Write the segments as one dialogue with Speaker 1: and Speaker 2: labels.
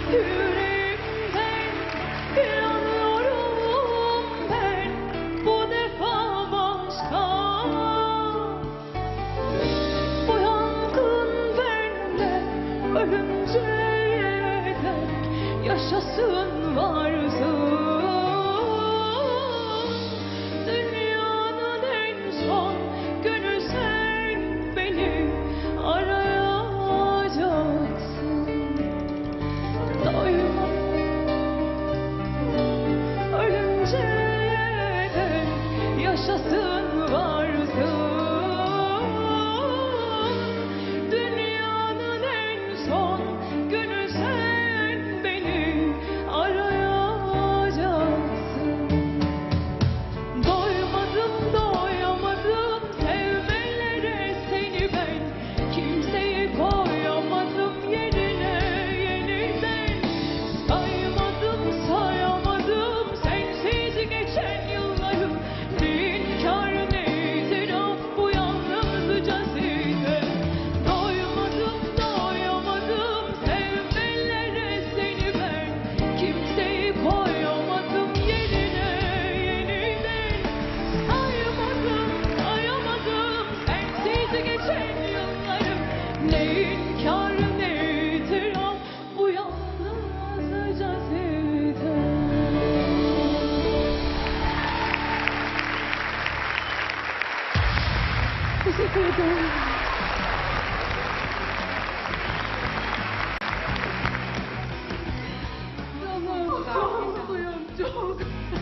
Speaker 1: Yüreğimden yanıyorum ben bu defa başka. Bu yangın bende ölünceye dek yaşasın varsın. Dünyanın en son günü sen beni arayacaksın. Doyma ölünceye dek yaşasın varsın. Dünyanın en son günü sen beni arayacaksın. Doymadım doyamadım sevmelere seni ben. Kimseyi koyamadım yerine yeniden. Saymadım sayamadım sensiz geçen yılları. Ne inkar ne itiraf bu yalnızca size. Doymadım doyamadım sevmelere seni ben. Kimseyi koyamadım yerine yeniden. Saymadım sayamadım sensiz geçen yılları. Ne inkar ne itiraf bu yalnızca size. Teşekkür ederim. Çok mutluyum, çok.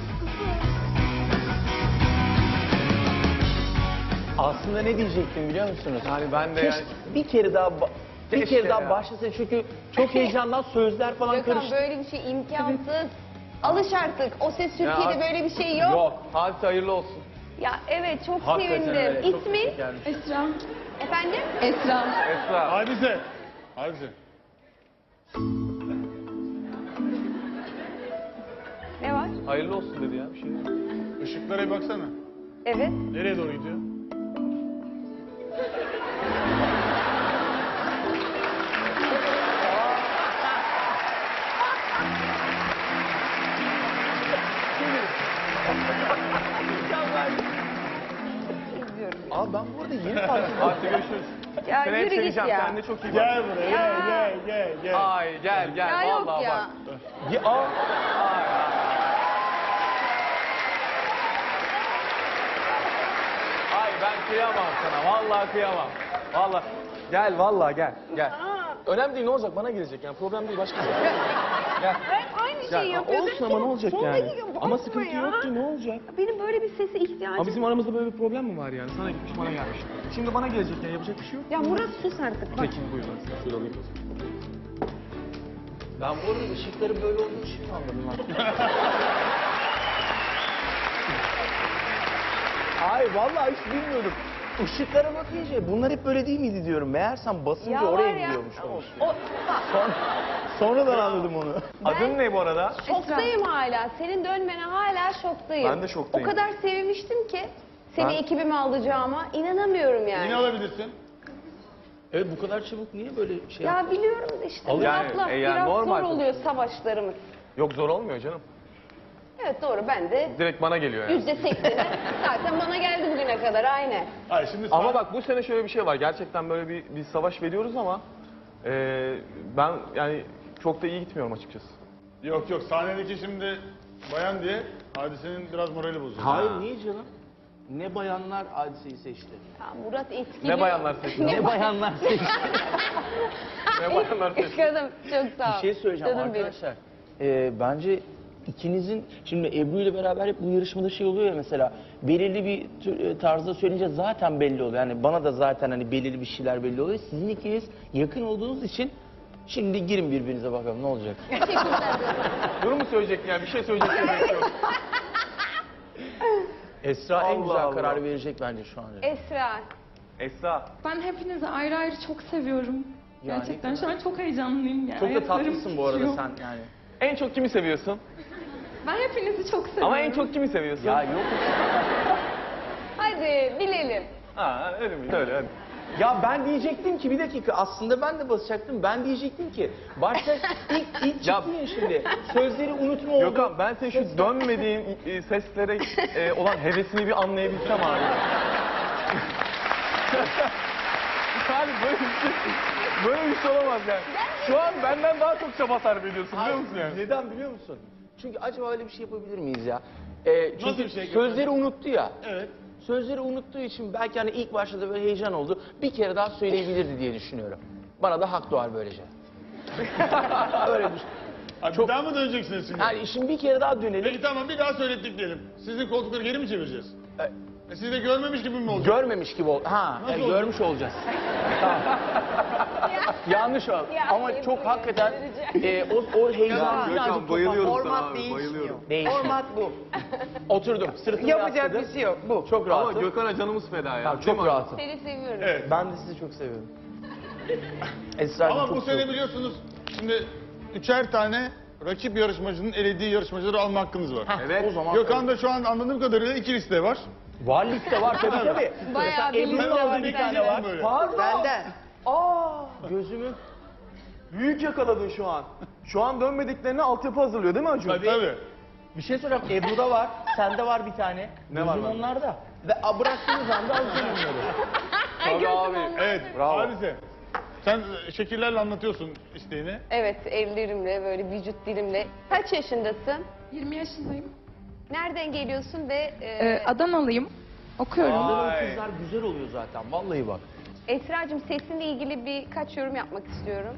Speaker 2: Aslında ne diyecektim biliyor musunuz?
Speaker 3: Yani ben de
Speaker 2: Keşke
Speaker 3: yani...
Speaker 2: bir kere daha
Speaker 3: Keşke ya.
Speaker 2: başlasın çünkü çok heyecandan sözler falan
Speaker 4: Gökhan
Speaker 2: karıştı.
Speaker 4: böyle bir şey imkansız. Alış artık. O Ses Türkiye'de böyle bir şey yok.
Speaker 3: Yok. Hadise hayırlı olsun.
Speaker 4: Ya evet çok
Speaker 2: Hakikaten
Speaker 4: sevindim.
Speaker 2: öyle, çok
Speaker 4: İsmi?
Speaker 2: teşekkür ederim.
Speaker 1: Esra.
Speaker 4: Efendim?
Speaker 1: Esra.
Speaker 3: Esra.
Speaker 5: Hadise. Hadise.
Speaker 4: Ne var?
Speaker 3: Hayırlı olsun dedi ya bir şey.
Speaker 5: Işıklara bir baksana.
Speaker 4: Evet.
Speaker 5: Nereye doğru gidiyor?
Speaker 2: Abi ben bu arada yeni fark ettim.
Speaker 3: Hadi görüşürüz.
Speaker 4: Ya
Speaker 3: Seni hep
Speaker 4: yürü git
Speaker 3: seveceğim.
Speaker 4: ya.
Speaker 3: Kendine çok iyi bak.
Speaker 5: Gel buraya,
Speaker 4: Ya.
Speaker 5: gel.
Speaker 3: Ay gel gel.
Speaker 4: Ya yok
Speaker 3: Vallahi
Speaker 4: ya.
Speaker 3: bak.
Speaker 2: Ya, aa,
Speaker 3: Ay, ay. Ay ben kıyamam sana. Vallahi kıyamam. Vallahi. Gel vallahi gel. Gel. Önemli değil ne olacak bana gelecek yani problem değil başka bir şey. Gel.
Speaker 4: Ben aynı şeyi
Speaker 3: Gel.
Speaker 4: yapıyordum.
Speaker 2: olsun ama ne olacak
Speaker 4: Son
Speaker 2: yani?
Speaker 4: dakika,
Speaker 2: Ama
Speaker 4: bakma
Speaker 2: sıkıntı
Speaker 4: ya.
Speaker 2: yok ki ne olacak?
Speaker 4: Benim böyle bir sese ihtiyacım.
Speaker 3: Ama bizim aramızda böyle bir problem mi var yani? Sana gitmiş bana gelmiş. Şimdi bana gelecek yani yapacak bir şey yok.
Speaker 4: Ya Murat sus artık bak.
Speaker 3: Peki buyurun. Şöyle alayım.
Speaker 2: Ben bu arada ışıkları böyle olduğunu şimdi anladım lan. Ay vallahi hiç bilmiyordum. Işıklara bakınca bunlar hep böyle değil miydi diyorum. Meğersem basınca
Speaker 4: Ya
Speaker 2: oraya
Speaker 4: var ya.
Speaker 2: gidiyormuş.
Speaker 4: O,
Speaker 2: Sonradan anladım onu.
Speaker 3: Adın ne bu arada?
Speaker 4: şoktayım hala. Senin dönmene hala şoktayım.
Speaker 3: Ben de şoktayım.
Speaker 4: O kadar sevinmiştim ki seni
Speaker 3: Ben-
Speaker 4: ekibime alacağıma inanamıyorum yani.
Speaker 5: Yine alabilirsin.
Speaker 2: Evet bu kadar çabuk niye böyle şey
Speaker 4: Ya biliyorum da işte
Speaker 3: Yani,
Speaker 4: Murat'la
Speaker 3: yani
Speaker 4: biraz
Speaker 3: normal
Speaker 4: zor oluyor savaşlarımız.
Speaker 3: Yok zor olmuyor canım.
Speaker 4: Evet doğru ben de
Speaker 3: Direkt bana geliyor yani.
Speaker 4: %80'i zaten bana geldi bugüne kadar aynen.
Speaker 5: Hayır şimdi
Speaker 3: Ama bak bu sene şöyle bir şey var. Gerçekten böyle bir savaş veriyoruz ama ben yani çok da iyi gitmiyorum açıkçası.
Speaker 5: Yok sahnedeki şimdi bayan diye Hadise'nin biraz morali bozuldu.
Speaker 2: Hayır niye canım? Ne bayanlar hadiseyi seçti.
Speaker 4: Ya Murat etkili.
Speaker 3: Ne bayanlar seçti?
Speaker 2: Ne bayanlar seçti.
Speaker 3: Ne bayanlar seçti?
Speaker 4: Kızım çok sağ ol.
Speaker 2: Bir şey söyleyeceğim
Speaker 4: Canım benim.
Speaker 2: arkadaşlar. Bence ikinizin şimdi Ebru ile beraber hep bu yarışmada şey oluyor ya mesela belirli bir tarzda söyleyince zaten belli oluyor. Yani bana da zaten hani belirli bir şeyler belli oluyor. Sizin ikiniz yakın olduğunuz için şimdi girin birbirinize bakalım ne olacak.
Speaker 4: Teşekkürler.
Speaker 3: Bunu mu söyleyecektin yani? Bir şey söyleyecektin bekliyorum.
Speaker 2: Esra en
Speaker 3: Allah
Speaker 2: güzel
Speaker 3: Allah.
Speaker 2: kararı verecek bence şu an.
Speaker 4: Esra.
Speaker 3: Esra.
Speaker 1: Ben hepinizi ayrı ayrı çok seviyorum.
Speaker 2: Yani
Speaker 1: Gerçekten şu an çok heyecanlıyım yani.
Speaker 2: Çok da
Speaker 1: Ayaklarım
Speaker 2: tatlısın bu arada
Speaker 1: titriyor.
Speaker 2: sen yani.
Speaker 3: En çok kimi seviyorsun?
Speaker 1: Ben hepinizi çok seviyorum.
Speaker 3: Ama en çok kimi seviyorsun?
Speaker 2: Ya yok.
Speaker 4: Hadi bilelim.
Speaker 3: Ha öyle mi? Söyle hadi.
Speaker 2: Ya ben diyecektim ki bir dakika aslında ben de basacaktım. Ben diyecektim ki başta ilk çıktın ya şimdi. Sözleri unutma oldu.
Speaker 3: Gökhan ben senin şu dönmediğin seslere olan hevesini bir anlayabilsem abi. Yani böyle bir şey olamaz yani. Şu an benden daha çok çaba sarf ediyorsun biliyor musun yani?
Speaker 2: Neden biliyor musun? Çünkü acaba öyle bir şey yapabilir miyiz ya? Çünkü
Speaker 5: Nasıl bir şey
Speaker 2: sözleri unuttu ya.
Speaker 5: Evet.
Speaker 2: Sözleri unuttuğu için belki hani ilk başta da böyle heyecan oldu. Bir kere daha söyleyebilirdi diye düşünüyorum. Bana da hak doğar böylece. Öyle düşün.
Speaker 5: Abi
Speaker 2: Çok-
Speaker 5: bir daha mı döneceksiniz şimdi?
Speaker 2: Yani şimdi bir kere daha dönelim.
Speaker 5: Peki tamam bir daha söylettik diyelim. Sizin koltukları geri mi çevireceğiz? Siz de görmemiş gibi mi olacak?
Speaker 2: Görmemiş gibi ol. Ha,
Speaker 5: Nasıl
Speaker 2: evet,
Speaker 5: olacak?
Speaker 2: görmüş olacağız. Tamam. Yanlış oldu.
Speaker 4: Ya,
Speaker 2: Ama çok
Speaker 4: Ebru
Speaker 2: hakikaten o heyecan
Speaker 3: Gökhan bayılıyorum sana
Speaker 6: Format
Speaker 3: abi
Speaker 6: değişmiyor.
Speaker 3: bayılıyorum.
Speaker 2: Değişti.
Speaker 6: Format bu.
Speaker 2: Oturdum. Sırtımı
Speaker 6: Yapacak
Speaker 2: yasladım.
Speaker 6: bir şey yok. Bu.
Speaker 2: Çok
Speaker 3: Ama
Speaker 2: rahatım.
Speaker 3: Gökhan'a canımız feda ya.
Speaker 2: Tamam,
Speaker 3: Değil mi
Speaker 2: çok
Speaker 3: abi?
Speaker 2: rahatım.
Speaker 4: Seni seviyorum.
Speaker 5: Evet.
Speaker 2: Ben de sizi çok seviyorum. Esra'cığım
Speaker 5: Ama
Speaker 2: çok
Speaker 5: bu sene biliyorsunuz şimdi 3'er tane rakip yarışmacının elediği yarışmacıları alma hakkınız var.
Speaker 3: Evet.
Speaker 2: O zaman
Speaker 5: Gökhan da şu an anladığım kadarıyla 2 liste var.
Speaker 2: var liste var tabii tabii.
Speaker 4: Bayağı bir
Speaker 2: Ebru'nun
Speaker 4: liste
Speaker 2: aldığı
Speaker 4: var
Speaker 2: bir
Speaker 4: sende.
Speaker 2: tane var.
Speaker 5: Böyle.
Speaker 2: Pardon.
Speaker 6: Benden.
Speaker 2: Gözümü.
Speaker 3: Büyük yakaladın şu an. Şu an dönmediklerine altyapı hazırlıyor değil mi Acun?
Speaker 5: Tabii.
Speaker 2: Bir şey soracağım. Ebru'da var. Sende var bir tane.
Speaker 3: Ne var
Speaker 2: Gözüm
Speaker 3: bende?
Speaker 2: onlarda. Ve bıraktığınız anda alacağım onları.
Speaker 3: Tabii abi.
Speaker 5: Evet.
Speaker 3: Bravo.
Speaker 5: Hadise. Sen şekillerle anlatıyorsun isteğini.
Speaker 4: Evet, ellerimle, böyle vücut dilimle. Kaç yaşındasın?
Speaker 7: 20 yaşındayım.
Speaker 4: Nereden geliyorsun ve
Speaker 7: Adanalıyım. Okuyorum.
Speaker 2: Adanalı
Speaker 3: Vay.
Speaker 2: kızlar güzel oluyor zaten. Vallahi bak.
Speaker 4: Esra'cığım sesinle ilgili birkaç yorum yapmak istiyorum.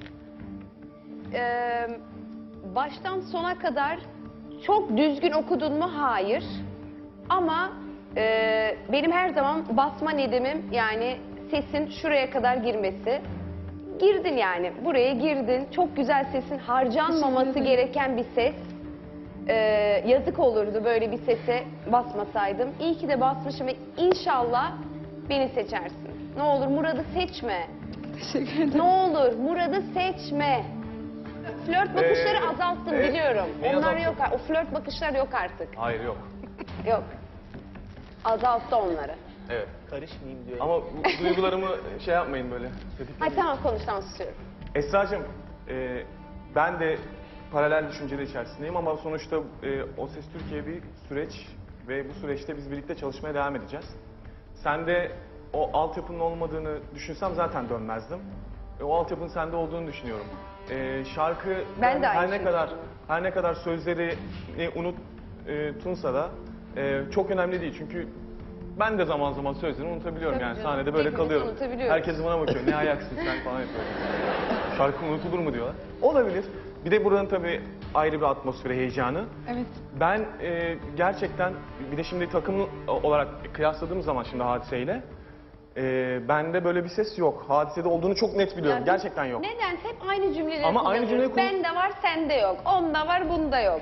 Speaker 4: Baştan sona kadar çok düzgün okudun mu? Hayır. Ama benim her zaman basma nedimim yani sesin şuraya kadar girmesi. Girdin yani. Buraya girdin. Çok güzel sesin. Harcanmaması
Speaker 7: Teşekkür ederim.
Speaker 4: gereken bir ses. Yazık olurdu böyle bir sese basmasaydım. İyi ki de basmışım ve inşallah beni seçersin. Ne olur Murat'ı seçme.
Speaker 7: Teşekkür ederim.
Speaker 4: Ne olur Murat'ı seçme. Flört bakışları azalttım biliyorum.
Speaker 3: ne
Speaker 4: Onlar
Speaker 3: azalttın?
Speaker 4: yok. O flört bakışlar yok artık.
Speaker 3: Hayır yok.
Speaker 4: Yok. Azalttı onları.
Speaker 3: Evet.
Speaker 2: Karışmayayım diyor.
Speaker 3: Ama bu duygularımı şey yapmayın böyle.
Speaker 4: Ay tamam konuş tamam susuyorum.
Speaker 3: Esra'cığım, ben de paralel düşünceler içerisindeyim ama sonuçta O Ses Türkiye bir süreç ve bu süreçte biz birlikte çalışmaya devam edeceğiz. Sen de o altyapının olmadığını düşünsem zaten dönmezdim. O altyapının sende olduğunu düşünüyorum. Şarkı
Speaker 4: Ben de aynı
Speaker 3: her ne
Speaker 4: şeyi
Speaker 3: kadar her ne kadar sözleri unutunsa da çok önemli değil çünkü ben de zaman zaman sözleri unutabiliyorum
Speaker 4: Tabii
Speaker 3: yani
Speaker 4: canım,
Speaker 3: sahnede böyle
Speaker 4: hepimiz
Speaker 3: kalıyorum.
Speaker 4: unutabiliyoruz.
Speaker 3: Herkes bana bakıyor ne ayaksın sen falan yapıyor. Şarkı unutulur mu diyorlar. Olabilir. Bir de buranın tabii ayrı bir atmosferi, heyecanı.
Speaker 7: Evet.
Speaker 3: Ben gerçekten bir de şimdi takım olarak kıyasladığım zaman şimdi Hadise'yle bende böyle bir ses yok. Hadisede olduğunu çok net biliyorum.
Speaker 4: Ya biz
Speaker 3: Gerçekten yok.
Speaker 4: Neden? Hep aynı cümleleri
Speaker 3: Ama aynı
Speaker 4: kullanıyoruz.
Speaker 3: cümleyi
Speaker 4: Bende var, sende yok. Onda var, bunda yok.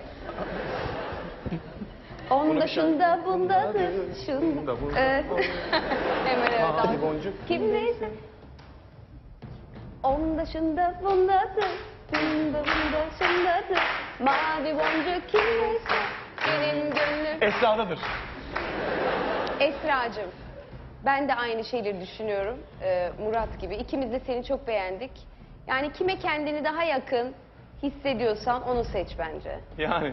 Speaker 4: Onda şunda bundadır, şunda.
Speaker 3: Bunda, bunda.
Speaker 4: Hemen öyle
Speaker 3: Mavi
Speaker 4: dans.
Speaker 3: boncuk.
Speaker 4: Kim neyse. Onda şunda bundadır, şunda bunda şundadır. Mavi boncuk kim neyse, benim gönlüm.
Speaker 3: Esra'dadır.
Speaker 4: Esra'cığım, ben de aynı şeyleri düşünüyorum Murat gibi. İkimiz de seni çok beğendik. Yani kime kendini daha yakın hissediyorsan onu seç bence.
Speaker 3: Yani.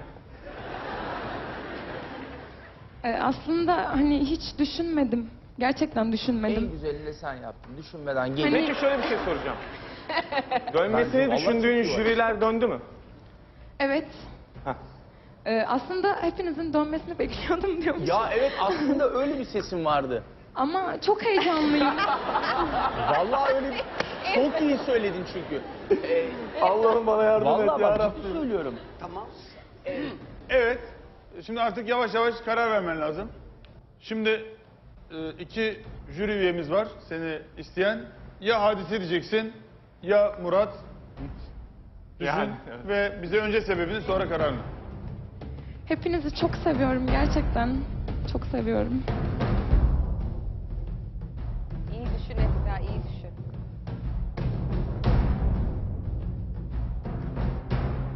Speaker 7: Aslında hani hiç düşünmedim. Gerçekten
Speaker 2: En
Speaker 7: düşünmedim.
Speaker 2: güzelini sen yaptın. Düşünmeden gel.
Speaker 7: Hani-
Speaker 3: Peki şöyle bir şey soracağım.
Speaker 2: Bence
Speaker 3: Dönmesini
Speaker 2: vallahi
Speaker 3: düşündüğün
Speaker 2: çok iyi var.
Speaker 3: jüriler döndü mü?
Speaker 7: Evet.
Speaker 3: Heh.
Speaker 7: Aslında hepinizin dönmesini bekliyordum diyormuş.
Speaker 2: Ya evet aslında öyle bir sesim vardı.
Speaker 7: Ama çok heyecanlıyım.
Speaker 2: Vallahi öyle çok iyi söyledin çünkü.
Speaker 3: Allah'ım bana yardım et
Speaker 2: Vallahi
Speaker 3: ya
Speaker 2: bak
Speaker 3: Rabbim.
Speaker 2: ciddi söylüyorum.
Speaker 6: Tamam.
Speaker 5: Evet. Şimdi artık yavaş yavaş karar vermen lazım. Şimdi 2 jüri üyemiz var seni isteyen. Ya Hadise diyeceksin ya Murat. Düşün
Speaker 3: Yani, evet.
Speaker 5: ve bize önce sebebini sonra kararını.
Speaker 7: Hepinizi çok seviyorum gerçekten. Çok seviyorum.